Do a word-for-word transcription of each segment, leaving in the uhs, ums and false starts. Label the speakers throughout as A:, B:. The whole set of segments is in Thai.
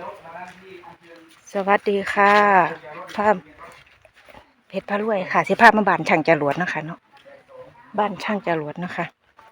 A: สวัสดีค่ะภาพเพชรพระรวยค่ะสิภาพมาบ้านช่างจรวดนะคะเนาะบ้านช่างจรวดนะคะ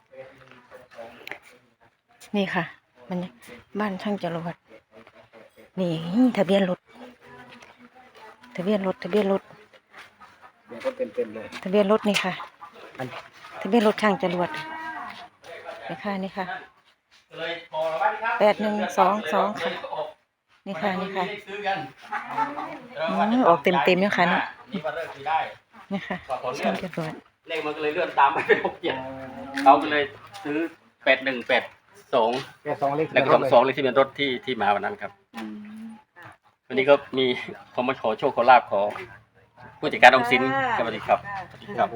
A: นี่ค่ะมันบ้านช่างจรวดนี่ทะเบียนรถทะเบียนรถทะเบียนรถทะเบียนรถนี่ค่ะทะเบียนรถช่างจรวดนี่ค่ะนี่ค่ะแปดหนึ่งสองสองค่ะนี่ค่ะนี่ค่ะออกเต็มเต็มเนี่ยค่ะเนี่ยนี่ค่ะช่างจรวด
B: เลขมันก็เลยเลื่อนตามไปเป็นหกเจ็ดเขาก็เลยซื้อแปดหนึ่งแปดสองแล้วก็สองสองเลขที่เป็นรถที่ที่มาวันนั้นครับวันนี้ก็มีเขามาขอโชคขอลาบขอผู้จัดการออมสินสวัสดีครับสวัสดีครับ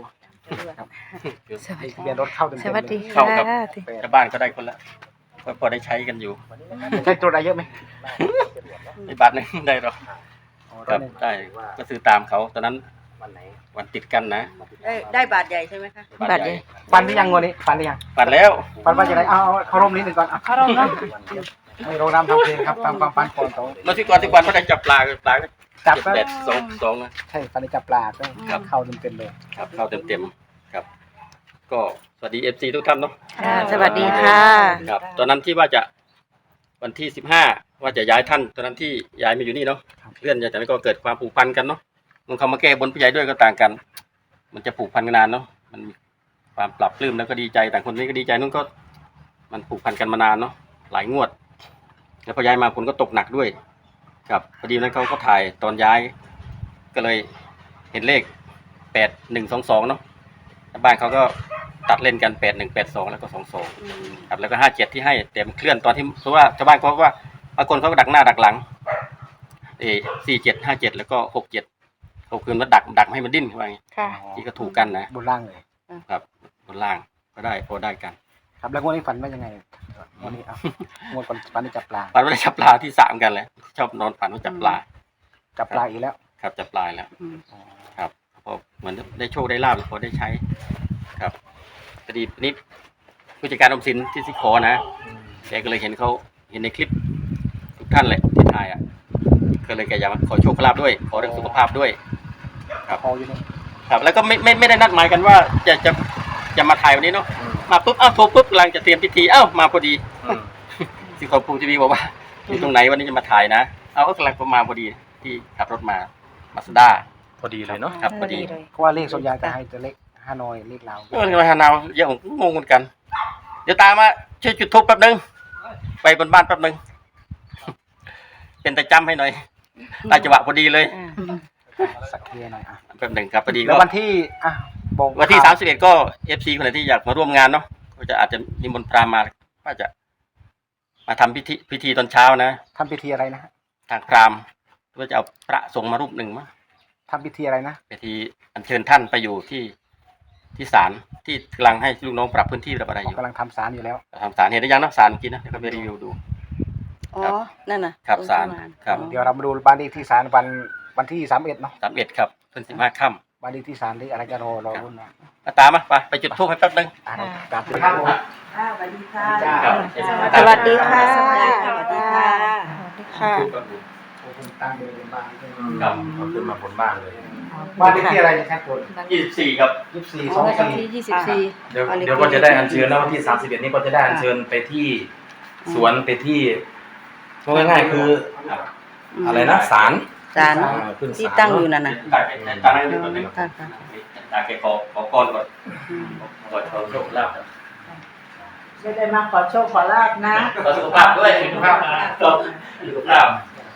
A: สวัสดี
C: ทะเบียนรถเข้าเต็ม
A: สวัสดี
B: เข้า
A: ค่ะ
B: กับชาวบ้านก็ได้คนละก็พอได้ใช้กันอยู่
C: ใช้ตัวอะไรเยอะไหม
B: ในบาทหนึ่งได้หรอครับได้ก็ซื้อตามเขาตอนนั้นวันติดกันนะ
D: ได้ได้บาทใหญ่ใช่ไหมคะ
A: บาทใหญ่
C: ฟันหรือยังงวดนี้ฟันหรือยัง
B: ปัดแล้ว
C: ฟันว่าจะไรเอาเขาร่มนิดหนึ่งก่อนเขาร่มนะไม่โรงน้ำทำเพลงครับตามความฝันก่อนเขา
B: เมื่อที่ก่อนที่วันเขาได้จับปลาปลา
C: จับ
B: แปดสองสองนะ
C: ใช่ฟันได้จับปลาก็เข้าเต็มเต็มเลย
B: ครับเข้าเต็มเต็มครับ ก็สวัสดีเอฟซีทุกท่านเนาะ
A: ค่ะสวัสดีค่ะ
B: ครับตอนนั้นที่ว่าจะวันที่สิบห้าว่าจะย้ายท่านตอนนั้นที่ย้ายมาอยู่นี่เนาะเลื่อนจากนั้นก็เกิดความผูกพันกันเนาะมันเขามาแก้บนผู้ใหญ่ด้วยก็ต่างกัน มันจะผูกพันกันนานเนาะมันมีความปรับปลื้มแล้วก็ดีใจต่างคนนี้ก็ดีใจนู้นก็ มันผูกพันกันมานานเนาะหลายงวด แล้วพอย้ายมาคนก็ตกหนักด้วยครับพอดีนั้นเขาก็ถ่ายตอนย้าย ก็เลยเห็นเลขแปดหนึ่งสองสองเนาะบ้านเขาก็ตัดเล่นกันแปดหนึ่งแปดสองแล้วก็สองสองครับแล้วก็ห้าเจ็ดที่ให้เต็มเคลื่อนตอนที่เพราะว่าชาวบ้านเขาว่าบางคนเขาก็ดักหน้าดักหลังเอสี่เจ็ดห้าเจ็ดแล้วก็หกเจ็ดเขาคืนว่าดักดักให้มันดิ้นว่าอย่างนี้
A: ค่ะ
B: ที่ก็ถูกกันนะ
C: บนล่างเลย
B: ครับบนล่างก็ได้พอได้กัน
C: ครับแล้วงวดนี้ฝันว่ายังไงงวดนี้เอางวดก่อนฝันได้จับปลา
B: ฝันว่าได้จับปลาที่สามกันเลยชอบนอนฝันว่าจับปลา
C: จับปลาอีกแล้ว
B: ครับจับปลาแล้วครับพอเหมือนได้โชคได้ลาบพอได้ใช้ครับพอดีนี้ผู้จัดการออมสินที่สิขอนะแกก็เลยเห็นเขาเห็นในคลิปทุกท่านเลยที่ถ่ายอ่ะก็เลยแกอยากมาขอโชคขอลาบด้วย ขอเรื่องสุขภาพด้วยครับ
C: พออยู่นี่
B: ครับแล้วก็ไม่ไม่ไม่ได้นัดหมายกันว่าจะจะจะมาถ่ายวันนี้เนาะมาปุ๊บอ้าวโทรปุ๊บกำลังจะเตรียมพิธีอ้าวมาพอดีสิขอปูทีวีบอกว่าอยู่ตรงไหนวันนี้จะมาถ่ายนะเอาก็กำลังประมาณพอดีที่ขับรถมามาสด้า
E: พอดีเลยเนาะ
B: ครับพอดี
C: เพราะว่าเลขส่วนใหญ่จะให้จะเลขฮานอยเลขลาว
B: เออทำไมฮานาวเยอะผมงงเหมือนกัน เดี๋ยวตามมาช่วยจุดธูปแป๊บนึงไปบนบ้านแป๊บนึงเป็นตะจำให้หน่อยตาจังหวะพอดีเลย
C: สักเคลียร์หน่อยอ่ะ
B: แป๊บนึงครับพอดี
C: แล้
B: ก็
C: ววันที่อ่ะบอก
B: วันที่สามสิบเอ็ดก็เอฟซีคนไหนที่อยากมาร่วมงานเนาะก็จะอาจจะนิมนต์พราหมณ์มาว่าจะ มาทำพิธีพิธีตอนเช้านะ
C: ทำพิธีอะไรนะฮะ
B: ทางพราหมณ์ว่าจะเอาพระสงฆ์มารูปหนึ่งมั้ง
C: ทำพิธีอะไรนะ
B: พิธีอัญเชิญท่านไปอยู่ที่ที่ศาลที่กำลังให้ลูกน้องปรับพื้นที่ปรับอะไรอยู่
C: กำลังทำสารอยู่แล้ว
B: ทำศาลเห็นได้ยังนะศาลเมื่อกี้นะเดี๋ยวก็ไปรีวิวดู
D: อ๋อ นั่นน่ะ
B: ครับศาลครับ
C: เดี๋ยวเรามาดูบ้านเลขที่ศาลวันวันที่สามเอ็ดเนาะ
B: สามเอ็ดครับเพิ่นสิบห้าค่
C: บ้านเลขที่ศาลเลขอะไรจะรอรอรุ่นนะ
B: ำมาตามมาไปไปจุดธูปให้แป๊บนึง
C: อ่านตามที่ครับผม
D: อ่าสวัสดีค่ะ
B: ครับ
A: สวัสดีค่ะ
D: สวัสดีค่ะ
A: สวัสดีค่ะ
C: ตั้งเดินบ้าน
B: ครับ
E: เอาขึ้นมาบนบ้านเลย
C: บ้านเลขที่อะไรนะครับคน
B: ยี่สิบสี่ครับ
C: ยี่สิบสี่
A: อ๋
C: ส
A: อ
C: อง
A: วัน
C: สี่
A: ที่ยี่สิบสี่
E: เดี๋ยวเดี๋ยวก็จะได้อัญเชิญแล้ววันที่สามสิบเอ็ดนี้ก็จะได้อัญเชิญไปที่สวนไปที่พูดง่ายๆคืออะไรนะศาล
D: ศาล
E: อ่าขึ้น
D: ที่
E: ศาล
D: ตั้งอยู่นั่นน่ะ
B: ตาแกตาให้ดูก่อนนึง
D: ค่ะค่ะ
B: ตาแกขอขอก่อนก่อนขอขอโชคลาภ
D: ไม่ได้มาขอโชคขอลาบนะ
B: ขอสุขภาพด้วยสุขภาพก็สุขภาพ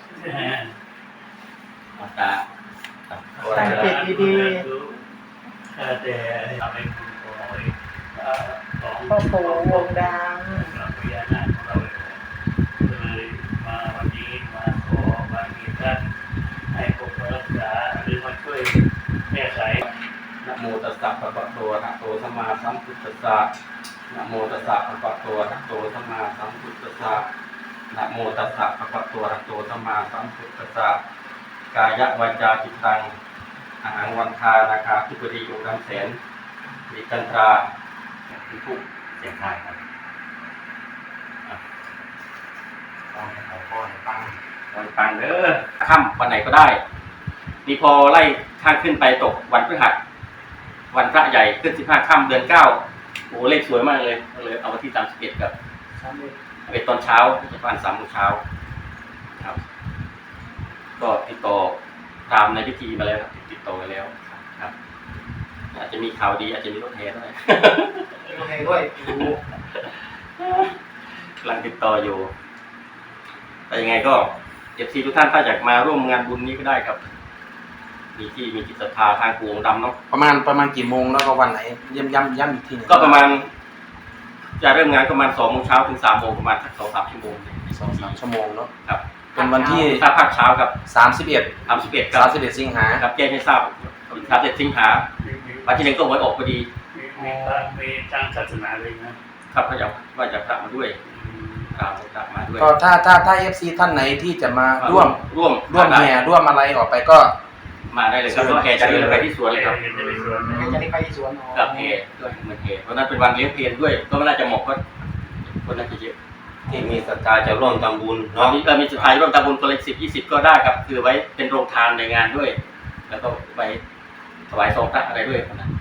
B: ตา
D: ตั้งจิตดีๆพ่อปู่วงดัง
F: มาวันนี้มาขอบารมีท่านให้ปกปักรักษาหรือมาช่วยแก้ไข
B: นะโมตัสสะภะคะวะโตอะระหะโตสัมมาสัมพุทธัสสะนะโมตัสสะภะคะวะโตอะระหะโตสัมมาสัมพุทธัสสะนะโมตัสสะภะคะวะโตอะระหะโตสัมมาสัมพุทธัสสะกายวาจาจิตตังอาหังวันทานาคาธิบดีองค์ดำแสนดิกันตราผู้เสียงไทายครับ
E: ตั้งให้เขาพ่อให้ตั้ง
B: วันปังเด้อค่ำวันไหนก็ได้นี่พอไล่ข้างขึ้นไปตกวันพฤหัสวันพระใหญ่ขึ้นสิบห้าค่ำเดือนเก้าโอ้เลขสวยมากเลยก็เลยเอาวันที่สามสิบเอ็ดกับเป็นตอนเช้าจะประมาณสามโมงเช้าครับก็ติดต่อตามในพิธีมาแล้วครับติดต่อไปแล้วครับอาจจะมีข่าวดีอาจจะมีรถแห่ด้วย
C: โอเคด้วย
B: กำลังติดต่ออยู่แต่ยังไงก็เอฟซีทุกท่านถ้าอยากมาร่วมงานบุญนี้ก็ได้ครับมีที่มีจิตศรัทธาทางกูองค์ดำเนาะ
E: ประมาณประมาณกี่โมงแล้วก็วันไหนย้ำย้ำย้ำอีกทีหนึง
B: ก็ประมาณจะเริ่มงานประมาณสองโมงเช้าถึงสามโมงประมาณสักสองสามชั่วโมง
E: สองสามชั่วโมงเนาะ
B: ครับ
E: เป็นวันที่
B: ถ้าภาคเช้าครับ
E: สามสิบเอ็ด
B: สามสิบเอ็ดครั
E: สาม
B: บ
E: สิบเอ็ดสิงหา
B: ครับแจ้งให้ทราบสามสิบเอ็ดสิงหาวันที่หนึ่งก็หวยออกพอดี
F: มีมีพระมีทางศาสนาเลยนะครับ
B: เขาอยากว่าจะพระมาด้วยครับพระมาด้วย
E: ก็ถ้าถ้าถ้าเอฟซีท่านไหนที่จะมาร่วม
B: ร่วม
E: ร่วมแห่ร่วมอะไรออกไปก็
B: มาได้เลยครับก็แห่จะเดินไปที่สวนเลยครับ
F: เห็นจะไปสวน
C: จะได้ไปที่สวน
B: กับเพด้วยเหมือนเพเพราะนั้นเป็นวันเลี้ยงเพลด้วยก็ไม่น่าจะเหมาะก็คนน่าจะเยอะ
G: ที่มีศรัทธาจะร่วมทำบุญ
B: ตอน
G: เนาะ
B: นี้เรามีสุดท้ายร่วมทำบุญคนละสิบยี่สิบก็ได้ครับคือไว้เป็นโรงทานในงานด้วย แล้วก็ไปถวายซองพระอะไรด้วยนะ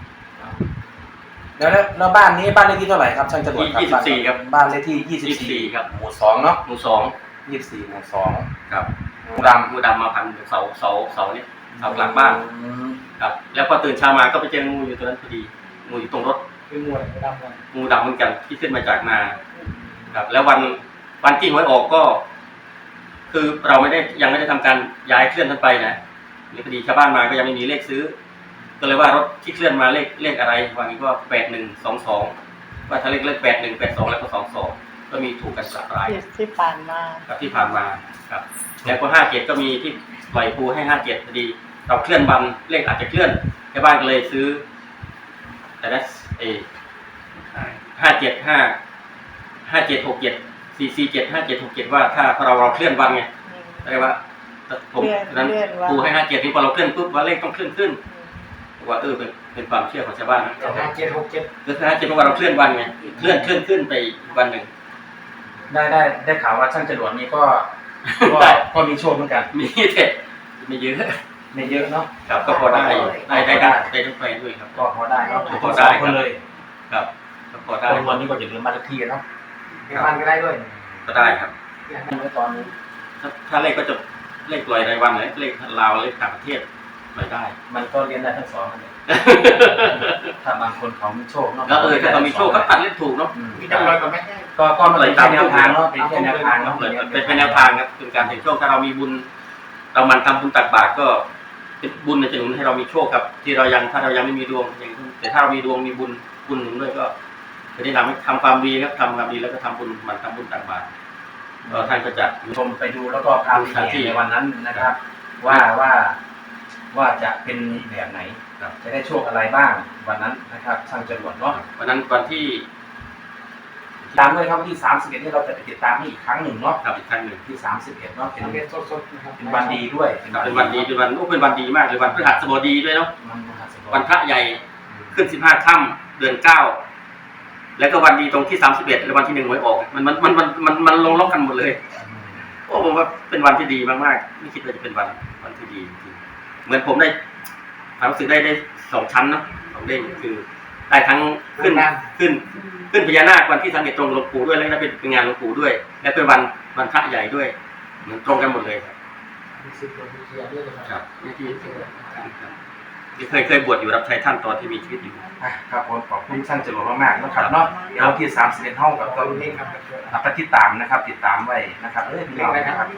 E: แล้วแล้วแล้วบ้านนี้บ้านเลขที่เท่าไหร่ครับช่างจรวดครับ
B: ยี่สิบสี่ครับ
E: บ้านเลขที่ยี่สิบ
B: ยี่สิบสี่
E: สี่
B: ครับ
E: หมู่สองเนาะ
B: หมู่สอง
E: ยี่สิบสี่หมู่สอง
B: ครับ
E: หมู่ดำ
B: หมู่ดำมาพันเสาเสาเสาเนี่ยเสากลางบ้าน
E: อืม
B: ครับ แล้วพอตื่นเช้ามาก็ไปเจองูอยู่ตรงนั้นพอดีงูอยู่ตรงรถ
C: คือมวยดำกัน
B: งูดำเหมือนกันที่ขึ้นมาจากนาครับแล้ววันวันที่หวยออกก็ คือเราไม่ได้ยังไม่ได้ทำการย้ายเคลื่อนท่านไปนะหรือพอดีชาวบ้านมาก็ยังไม่มีเลขซื้อ ก็เลยว่ารถที่เคลื่อนมาเลขเลขอะไรวันนี้ก็แปดหนึ่งสองสองว่าถ้าเลขเลขแปดหนึ่งแปดสองแล้วก็สองสองก็มีถูกกันสักราย
D: ที่ที่ผ่านมา
B: ครับที่ผ่านมาครับ แล้วก็ห้าเจ็ดก็มีที่ปล่อยปูให้ห้าเจ็ดพอดี เราเคลื่อนวันเลขอาจจะเคลื่อนชาวบ้านก็เลยซื้อ แต่นั้นเอห้าเจ็ดห้าห้าเจ็ดหกเจ็ดสี่สี่เจ็ดห้าเจ็ดหกเจ็ดว่าถ้าเราเราเคลื่อนวันไงเรียกว่าผมนั้นปูให้ห้าเจ็ดนี่พอเราเคลื่อนปุ๊บว่าเลขต้องเคลื่อนขึ้นว่าเออเป็นเป็นความเชื่อของชาวบ้าน
C: ห้าเจ็ดหกเจ็ด
B: คือห้าเจ็ดเพราะว่าเราเคลื่อนวันไงเคลื่อนเคลื่อนขึ้นไปอีกวันหนึ่ง
E: ได้ได้ได้ข่าวว่าช่างจรวดนี่ก็ก็
B: ได้
E: ก็มีโชคเหมือนกัน
B: มีเด็ดมีเยอะ
E: ไม่เยอะเนาะ
B: ครับก็พอได้อยู่ได้ได้ได้ได้ทั้งแฟนด้วยครับ
E: ก็พอได้เนาะ
B: พอได้
E: คนเลย
B: ครับก็พอได้
E: คนวันนี้ก็จะลืมบ้านเลขที่เนาะ
C: เดี๋ยวมันก็ได้ด้วย
B: ก็ได้ครับ
E: เมื่อตอนนี้
B: ถ้าถ้าเลขก็จะเลขลอยรายวันเลยเลขลาวเลขต่างประเทศลอยได้
E: มันก็เรียนได้ทั้งสองอันเลยถ้าบางคนเขามีโชคเนาะ
B: แล้วเออถ้าเรามีโชคก็ตัดเลขถูกเนาะ
E: อืม
C: มีจำนวนกับไหม
E: ก็ก็มันเป็นแค่แนวทางเนาะเป็นแค่แนวทางเนาะ
B: เป็นเป็นแนวทางครับเป็นการเสี่ยงโชคถ้าเรามีบุญ เรามันทำบุญตักบาตรก็เป็นบุญจะหนุนให้เรามีโชคครับ ที่เรายังถ้าเรายังไม่มีดวงอย่างแต่ถ้าเรามีดวงมีบุญบุญหนุนด้วยก็จะได้นำให้ทำความดีครับทำความดีแล้วก็ทำบุญมันทำบุญตักบาตรก็ท่านก็จะ
E: ชมไปดูแล้วก็พาไปเห็นในวันนั้นนะครับ ว่าว่าว่าจะเป็นแบบไหน
B: ครับ
E: จะได้โชคอะไรบ้างวันนั้นนะครับช่างจรวดเนาะ
B: วันนั้นวันที่
E: ตามด้วยครับวันที่สามสิบเอ็ดที่เราจะไปติดตามให้อีกครั้งหนึ่งเนาะ
B: ครับอีกครั้งหนึ่ง
E: ที่สามสิบเอ็ดเนาะเป็น
C: ทำเป็นสดๆนะครับ
E: เป็นวันดีด้วย
B: เป็นวันดีเป็นวันโอ้เป็นวันดีมากเลยวันพฤหัสบดีด้วยเนาะ
E: มันมหัศจรรย์
B: วันพระใหญ่ขึ้นสิบห้าค่ำเดือนเก้าแล้วก็วันดีตรงที่สามสิบเอ็ดแล้ววันที่หนึ่งหวยออกมันมันมันมันมันมันลงล็อกกันหมดเลยโอ้ผมว่าเป็นวันที่ดีมากๆไม่คิดว่าจะเป็นวันวันที่ดีจริงๆเหมือนผมได้ความรู้สึกได้ได้สองชั้นเนาะสองเด้งคือได้ทั้งขึ้นขึ้น ขึ้นพญานาควันที่สามสิบเอ็ดตรงหลวงปู่ด้วยแล้วก็เป็นงานหลวงปู่ด้วย และเป็นวันวันพระใหญ่ด้วยเหมือนตรงกันหมดเลยครับ
C: มีสิบกว่าปีเสียด้วยนะ
B: ค
C: ค
B: รั
C: รั
B: บบ นี่ที่ที่เคยเคยบวชอยู่รับใช้ท่านตอนที่มีชีวิตอยู่
E: อ่ะครับผมขอบคุณช่างจรวดมากๆนะครับเนาะเดี๋ยววันที่สามสิบเอ็ดห้องกับ
C: ต
E: ต
C: อ
E: อน น
C: นี้
E: นี้
C: ครับ
E: อ่ะไปติดตามนะครับ ติดตามไว้นะครับเอ้ยพี่
C: เรี
E: น้
C: ย
E: อก ง
C: อะไร
E: นะ
C: นะ
E: ค
C: ค
E: รั
C: รั
E: บบ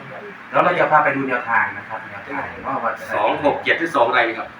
E: แล้วเราจะพาไปดูแนวทางนะครับแนวทางว่าว่าจะได้
B: สองหกเจ็ดที่สองอะไรครับ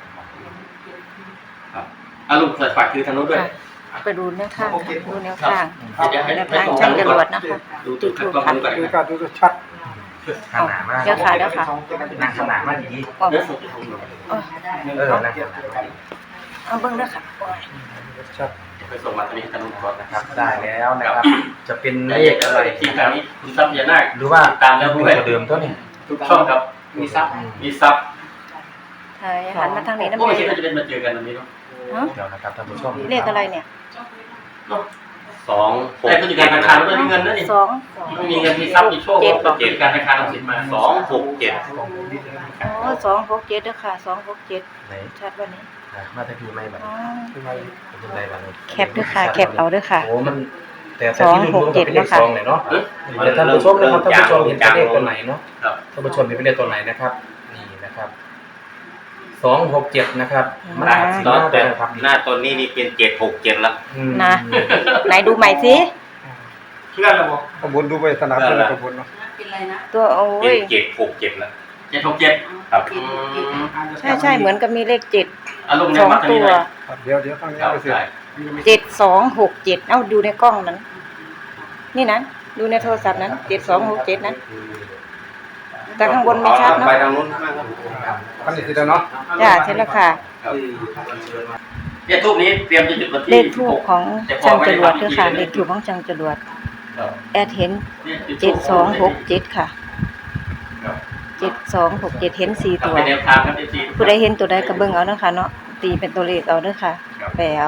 B: ครับอาลุงเปิดฝากคือทางโน้นด้วย
A: ไปดูแนวทางค่ะดูแนวทาง
B: เดี๋ยวให้
A: แนว
B: ให้
A: ทาง
B: ตรง
A: ช่างจรวด
B: ก่อน
A: นะคะ
B: ดูดูครับก็ดูก่อน
C: ดู
B: นะค
C: กั
B: รั
C: น
B: บ
C: ดูชัด
E: ขนาดมาก
A: เดี๋ยวค่ะเดี๋ยวค่ะ
E: นั่งขนาดมากดี
A: อ๋อ
B: เดี๋ยว
A: อ๋อ
E: เออนั่งขนาดมากดี
A: เอาเบิ้งด้วยค่ะ
C: ชัด
B: ไปส่งมาตอนนี้ให้ทางโน้นก่อนนะ
E: นะ
B: ค
E: ค
B: รั
E: รั
B: บบ
E: ได้แล้วนะครับ จะเป็น
B: ใน
E: เลขอะไร
B: ที่ทางนี้คุณทรัพย์พญานาค
E: หรือว่า
B: ตามแล้วด้วย
E: เดิมตัวนี้
B: ทุกช่องครับ
C: มีซับ
B: มีทรัพย์
A: ใช่หันมาทางนี้นะ
B: โอ้
A: แม่
B: ไม่คิดว่าจะเป็นมาเจอกันตรงนี้เนาะ
A: เนาะ
E: เดี๋ยวนะครับท่านผู้ชม
A: เลขอะไรเนี่ย
B: เนาะ
G: สองหก
B: แต่ผู้จัดการธนาคารไม่มีเงินนะนี่
A: สอง
B: ไม่มีเงินมีทรัพย์มีโชคก็เจ็ดการธนาคารเอาสินมา
G: สองหกเจ็ด
A: อ๋อสองหกเจ็ดเด้อค่ะสองหกเจ็ด
E: ไหน
A: ชัดวันนี้
E: อ่ะมาตะกี้ไม่บัด
A: อ๋อ
E: เป็นไรบัดนี้
A: แคปเด้อค่ะแคปเอาเด้อค่ะ
E: โอ้มันแต่แต่ที่รวมๆก็เป็นเลขสองเลยเนาะเดี๋ยวท่านผู้ชมนะครับท่านผู้ชมเห็นเป็นเลขตัวไหนเนาะ
B: ครับ
E: ท่านผู้ชมเห็นเป็นเลขตัวไหนนะครับ นี่นะครับสองหกเจ็ดนะครับมันอาจสิ
G: ตอน
E: มา
G: แต่
E: แต่ครับ
G: หน้าตัวนี้นี่เป็นเจ็ดหกเจ็ดละ
E: อืม
A: นะไหนดูใหม่สิ
B: เพื่อนเราบอก
C: ขบวนดูไปสนามเป็นขบวนเนาะ
D: เป็นไรนะ
A: ตัวโอ้
G: เป็น
A: ย
G: เจ็ดหกเจ็ดละ
B: เจ็ดหกเจ็ด
G: ครับ
A: ใช่ใช่เหมือนกับมีเลขเจ็ด
B: อารมณ์ใน
A: สอง
B: มัด
A: ตัว
B: นี้เลย
C: เดี๋ยวเดี๋ยวตั้งนี้
B: ครับ
C: ไปเสร็จ
B: ใช่
A: เจ็ดสองหกเจ็ดเอ้าดูในกล้องนั้น นี่นะดูในโทรศัพท์นั้นเจ็ดสองหกเจ็ดนั้น แต่ข้างบนไม่ชัดเนาะ
G: ไปทางนู้น
C: ตั้งนี้ทีเดียวเนาะ
A: จ้าใช่แล้วค่ะ
B: เนี่ยทูบนี้เตรียมจะจุดวันที่
A: เลขทูปของจังจรวดด้วยค่ะ เลขทูปของจังจรวด
B: ครับ
A: แอดเห็น
B: เนี่ยจุ
A: เจ็ดสองหกเจ็ดค่ะ
B: ครับ
A: เจ็ดสองหกเจ็ดเห็นสี่ตัว
B: เป็นแนวทางครับที่
A: ผู้ใดเห็นตัวใดก็เบิ่งเอาเนาะค่ะเนาะตีเป็นตัวเลขเอาเด้อค่ะ แปลเอา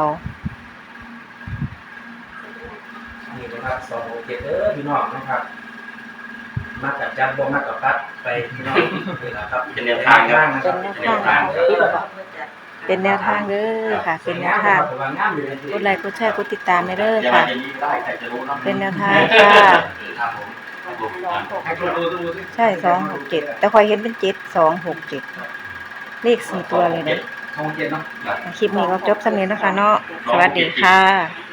E: นี่นะครับสองหกเจ็ดเด้อพี่น้องนะครับมากับจัดบ่มากับปัดไปพี่น้องนี่แหละครับ
B: เป็นแนวทางครับ
E: นะครับ
A: เป็นแนวทาง เป็นแนวทางเด้อค่ะ เป็นแนวทาง กดไลค์กดแชร์กดติดตามไปเด้อ
B: อย่า
A: ค่ะ
B: มาจะมีได้ใครจะรู้เนาะ
A: เป็นแนวทางค่ะ
E: ครับผม
C: ให้ดูดูดูสิ
A: ใช่สองหกเจ็ดแต่คอยเห็นเป็นเจ็ดสองหกเจ็ดเลขสี่ตัวเลยนะ
C: สองเจ็ดเนาะ
A: คลิปนี้ก็จบสำเร็จแล้วค่ะเนาะสวัสดีค่ะ